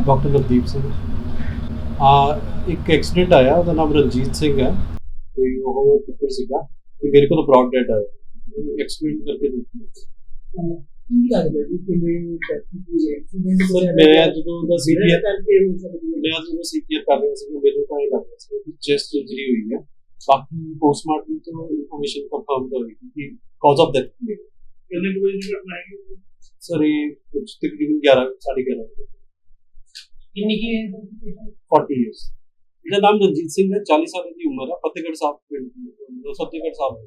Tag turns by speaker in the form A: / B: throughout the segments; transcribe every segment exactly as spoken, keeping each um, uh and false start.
A: Doctor Navdeep Singh. ਆ ਇੱਕ accident ਆਇਆ, ਉਹਦਾ ਨਾਮ ਰਣਜੀਤ ਸਿੰਘ ਹੈ ਤੇ ਉਹ ਕਿੱਥੇ ਸੀਗਾ ਤੇ ਮੇਰੇ ਕੋਲ ਬ੍ਰੌਡ ਡੈਡ ਆਇਆ ਐਕਸੀਡੈਂਟ ਕਰਕੇ ਦਿੱਤੀ।
B: ਕੀ ਲੱਗਦਾ ਜੀ ਕਿਵੇਂ ਟੈਕਨੀਕਲੀ ਐਕਸੀਡੈਂਟ
A: ਸਰ ਮੈਂ ਜਦੋਂ ਦਾ ਸੀਪੀਆਰ
B: ਕਰਕੇ ਹੋ ਸਕਦੀ ਹੈ?
A: ਮੈਂ ਜਦੋਂ ਸੀਪੀਆਰ ਕਰ ਰਿਹਾ ਸੀ ਮੈਨੂੰ ਤਾਂ ਇਹ ਲੱਗਦਾ ਸੀ ਕਿ ਚੈਸਟ ਇੰਜਰੀ ਹੋਈ ਹੈ। ਬਾਕੀ ਪੋਸਟਮਾਰਟਮ ਤੋਂ ਇਨਫੋਰਮੇਸ਼ਨ ਕੰਫਰਮ ਹੋਏਗੀ ਕਿ ਕਾਜ਼ ਆਫ ਡੈਥ ਕੀ ਹੈ।
B: ਕਿੰਨੇ ਕੁ ਵਜੇ ਦੀ ਘਟਨਾ ਹੈ?
A: ਸਰ ਇਹ ਕੁਝ ਤਕਰੀਬਨ ਗਿਆਰਾਂ ਸਾਢੇ ਗਿਆਰਾਂ ਵਜੇ।
B: ਕਿੰਨੀ ਕੀ
A: ਚਾਲੀ ਇਅਰਸ। ਇਹਦਾ ਨਾਮ ਰਣਜੀਤ ਸਿੰਘ ਹੈ, ਚਾਲੀ ਸਾਲ ਦੀ ਉਮਰ ਹੈ, ਫਤਿਹਗੜ੍ਹ ਸਾਹਿਬ ਪਿੰਡ ਦੀ, ਫਤਿਹਗੜ੍ਹ ਸਾਹਿਬ।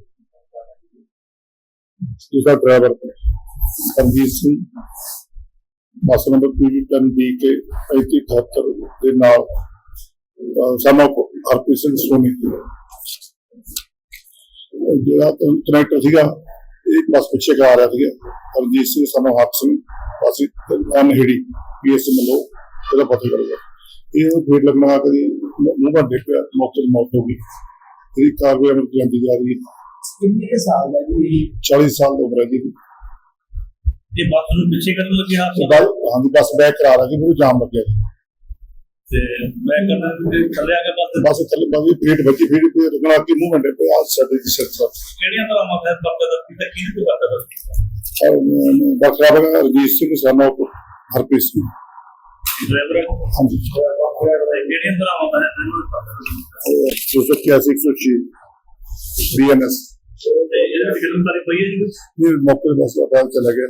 C: दूसरा driver Harjeet Singh bus number P V ten B K पैंती अठहत्तर के नाल सामना हरप्रीत सिंह सोनी जो कनैक्टर सीगा एक बस पिछे करा रहा था हरजीत सिंह सामना हक सिंह बस अनहेड़ी पी एस मलो ਇਹਦਾ ਪਤਾ ਕਰੇਗਾ। ਇਹ ਫੇਟ ਲੱਗਣਾ ਆ ਕਦੀ ਮੂੰਹ ਭਰ ਡਿੱਗ ਪਿਆ, ਮੌਕੇ ਤੇ ਮੌਤ ਹੋ ਗਈ। ਇਹਦੀ ਕਾਰਵਾਈ ਅਮਲ ਜਾਂਦੀ ਜਾ ਰਹੀ ਹੈ।
B: ਕਿੰਨੇ ਕੁ ਸਾਲ ਦਾ ਜੀ?
C: ਚਾਲੀ ਸਾਲ ਦੀ ਉਮਰ ਹੈ ਜੀ।
B: ਇਹ ਬੱਸ ਨੂੰ ਪਿੱਛੇ ਕਰਨ ਲੱਗੇ
C: ਹਾਂ ਹਾਂਜੀ, ਬੱਸ ਬੈਕ ਕਰਾ ਰਹਾ ਸੀ, ਮੈਨੂੰ ਜਾਮ ਲੱਗਿਆ ਜੀ
B: ਤੇ ਮੈਂ ਕਹਿੰਦਾ ਕਿ ਥੱਲੇ ਆ ਕੇ ਬੱਸ
C: ਬੱਸ ਥੱਲੇ ਬੱਸ ਦੀ ਫੇਟ ਵੱਜੀ, ਫੇਟ ਤੇ ਰਗੜਾ ਕੇ ਮੂੰਹ ਮੰਡੇ ਪਿਆ ਸਾਡੇ ਦੀ ਸਿਰ ਤੋਂ।
B: ਕਿਹੜੀਆਂ ਤਰ੍ਹਾਂ ਮਾਫੀਆ ਪੱਕਾ ਦਾ ਕਿਤੇ ਕੀ ਤੋਂ ਕਰਦਾ
C: ਡਾਕਟਰ ਆਬਰ ਰਜੀਤ ਸਿੰਘ ਸਾਨਾ ਹਰਪ੍ਰੀਤ ਸਿੰਘ
B: ਡਰਾਈਵਰ
C: ਹਾਂਜੀ
B: ਕਿਹੜੀਆਂ ਤਰ੍ਹਾਂ ਮਾਫੀਆ
C: ਦੋ ਸੌ ਇਕਿਆਸੀ ਇੱਕ ਸੌ ਛੇ ਬੀ ਐਨ ਐਸ
B: ਤੇ ਇਹਦੇ ਵਿੱਚ ਗ੍ਰਿਫਤਾਰੀ ਪਈ ਹੈ ਜੀ?
C: ਇਹ ਮੌਕੇ ਤੇ ਬੱਸ ਦਾ ਚਲਾ ਗਿਆ।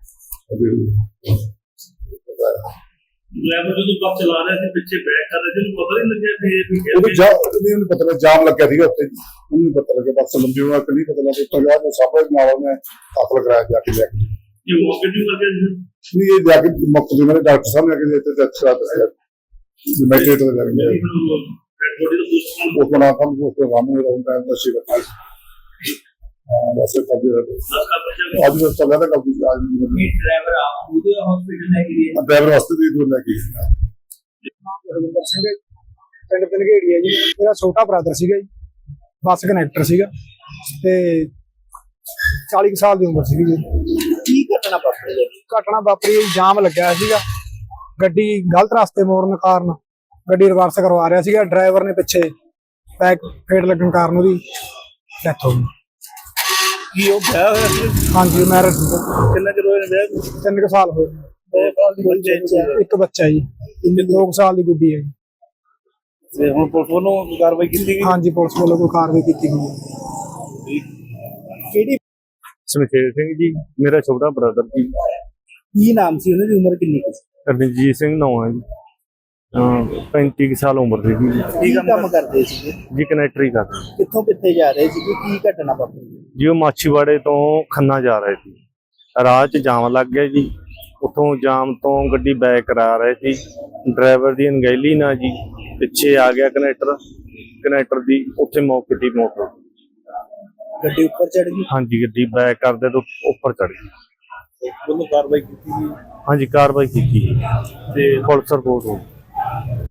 B: ਡਰਾਈਵਰ ਜਦੋਂ ਬੱਸ ਚਲਾ ਰਿਹਾ ਸੀ ਪਿੱਛੇ ਬੈਕ ਕਰ ਰਿਹਾ ਸੀ, ਉਹਨੂੰ ਪਤਾ ਨਹੀਂ ਲੱਗਿਆ ਕਿ ਇਹ ਵੀ
C: ਉਹਨੂੰ ਜਾ ਨਹੀਂ ਉਹਨੂੰ ਪਤਾ ਲੱਗਾ ਜਾਮ ਲੱਗਿਆ ਸੀਗਾ ਉੱਥੇ, ਉਹਨੂੰ ਨਹੀਂ ਪਤਾ ਲੱਗਿਆ ਬੱਸ ਲੰਬੀ ਹੋਣਾ ਕਿ ਨਹੀਂ ਪਤਾ ਲੱਗਾ। ਉੱਤੋਂ ਜਾ ਕੇ ਸਾਬਾ ਨਾਲ ਉਹਨੇ ਦਾਖਲ ਕਰਾਇਆ ਜਾ ਕੇ ਲੈ ਕੇ
B: ਇਹ ਮੌਕੇ ਤੇ ਮਰ ਗਿਆ ਜੀ?
C: ਨਹੀਂ ਇਹ ਜਾ ਕੇ ਮੁਕਤ ਦੇ ਮੇਰੇ ਡਾਕਟਰ ਸਾਹਿਬ ਨੇ ਆ ਕੇ ਇੱਥੇ ਟੈਸਟ ਕਰਾ ਦਿੱਤਾ ਮੈਟਰੇਟ ਦੇ ਲੱਗ ਗਿਆ
B: ਬੋਡੀ ਦਾ ਪੋਸਟਮਾਰਟਮ
C: ਉਹ ਬਣਾ ਕੰਮ ਉਹ ਪ੍ਰੋਗਰਾਮ ਹੋ ਰਿਹਾ ਹੁੰਦਾ ਹੈ ਸ਼ਿਵ ਹਾਂ ਬਸ ਇਹ ਕਬੀ
B: ਦਾ ਬੱਚਾ
C: ਅੱਜ ਬਸ ਚੱਲ ਰਿਹਾ ਕਬੀ ਅੱਜ
B: ਇਹ ਡਰਾਈਵਰ ਆਪ ਉਹਦੇ ਹਸਪੀਟਲ ਲੈ ਕੇ ਗਏ
C: ਡਰਾਈਵਰ ਵਾਸਤੇ ਵੀ ਦੂਰ ਲੈ ਕੇ
D: ਰਵਿੰਦਰ ਸਿੰਘ ਪਿੰਡ ਪਿੰਗੇੜੀ ਹੈ ਜੀ। ਮੇਰਾ ਛੋਟਾ ਬ੍ਰਦਰ ਸੀਗਾ ਜੀ, ਬੱਸ ਕਨੈਕਟਰ ਸੀਗਾ ਤੇ ਚਾਲੀ ਸਾਲ ਦੀ ਉਮਰ ਸੀਗੀ ਜੀ।
B: ਕੀ ਘਟਨਾ ਵਾਪਰੀ ਹੈ?
D: ਘਟਨਾ ਵਾਪਰੀ ਜਾਮ ਲੱਗਿਆ ਸੀਗਾ, ਗੱਡੀ ਗਲਤ ਰਸਤੇ ਮੋੜਨ ਕਾਰਨ ਗੱਡੀ ਰਿਵਰਸ ਕਰਵਾ ਰਿਹਾ ਸੀਗਾ। ਡਰਾਈਵਰ ਨੇ ਪਿੱਛੇ ਬੈਕ ਫੇਟ ਲੱਗਣ ਕਾਰਨ ਉਹਦੀ ਡੈਥ ਹੋ ਗਈ।
B: ਕੀ ਉਹ ਵਿਆਹ ਹੋਇਆ ਸੀ?
D: ਹਾਂਜੀ ਮੈਰਿਜ
B: ਕਿੰਨਾ ਚਿਰ ਹੋਇਆ ਵਿਆਹ ਨੂੰ?
D: ਤਿੰਨ ਕੁ ਸਾਲ ਹੋਏ। ਇੱਕ ਬੱਚਾ ਜੀ, ਦੋ ਕੁ ਸਾਲ ਦੀ ਗੁੱਡੀ ਹੈ।
B: ਤੇ ਹੁਣ ਪੁਲਿਸ ਵੱਲੋਂ ਕਾਰਵਾਈ ਕੀਤੀ ਗਈ?
D: ਹਾਂਜੀ ਪੁਲਿਸ ਵੱਲੋਂ ਕੋਈ ਕਾਰਵਾਈ ਕੀਤੀ ਗਈ ਹੈ।
B: ਕਿਹੜੀ?
E: ਸਮਸ਼ੇਰ ਸਿੰਘ ਜੀ, ਮੇਰਾ ਛੋਟਾ ਬ੍ਰਦਰ ਜੀ।
B: ਕੀ ਨਾਮ ਸੀ ਉਹਨਾਂ ਦੀ? ਉਮਰ ਕਿੰਨੀ ਕੁ ਸੀ?
E: ਰਣਜੀਤ ਸਿੰਘ ਨਾਂ ਹੈ ਜੀ। ਅਹ ਪੈਂਤੀ ਕੁ ਸਾਲ ਉਮਰ ਸੀ ਜੀ।
B: ਕੀ ਕੰਮ ਕਰਦੇ ਸੀ
E: ਜੀ ਕਨੈਕਟਰ ਹੀ ਕਰਦੇ
B: ਕਿੱਥੋਂ ਕਿੱਥੇ ਜਾ ਰਹੇ ਸੀ? ਕੀ ਘਟਨਾ ਵਾਪਰੀ?
E: ਜੀ। ਉਹ ਮਾਛੀਵਾੜੇ ਤੋਂ ਖੰਨਾ ਜਾ ਰਹੇ ਸੀ, ਰਾਹ 'ਚ ਜਾਮ ਲੱਗ ਗਿਆ ਜੀ। ਉੱਥੋਂ ਜਾਮ ਤੋਂ ਗੱਡੀ ਬੈਕ ਕਰਾ ਰਹੇ ਸੀ, ਡਰਾਈਵਰ ਦੀ ਅਣਗਹਿਲੀ ਨਾਲ ਜੀ ਪਿੱਛੇ ਆ ਗਿਆ ਕਨੈਕਟਰ ਕਨੈਕਟਰ ਦੀ ਉੱਥੇ ਮੌਕੇ ਦੀ ਮੌਤ ਹੋ ਗਈ।
B: ਗੱਡੀ ਉੱਪਰ ਚੜ ਗਈ?
E: ਹਾਂਜੀ, ਗੱਡੀ ਬੈਕ ਕਰਦੇ ਤੋਂ ਉੱਪਰ ਚੜ ਗਈ।
B: ਉਹਨੂੰ ਕਾਰਵਾਈ ਕੀਤੀ ਗਈ?
E: ਹਾਂਜੀ ਕਾਰਵਾਈ ਕੀਤੀ
B: ਤੇ
E: ਪੁਲਿਸ ਰਿਪੋਰਟ ਹੋ ਗਈ।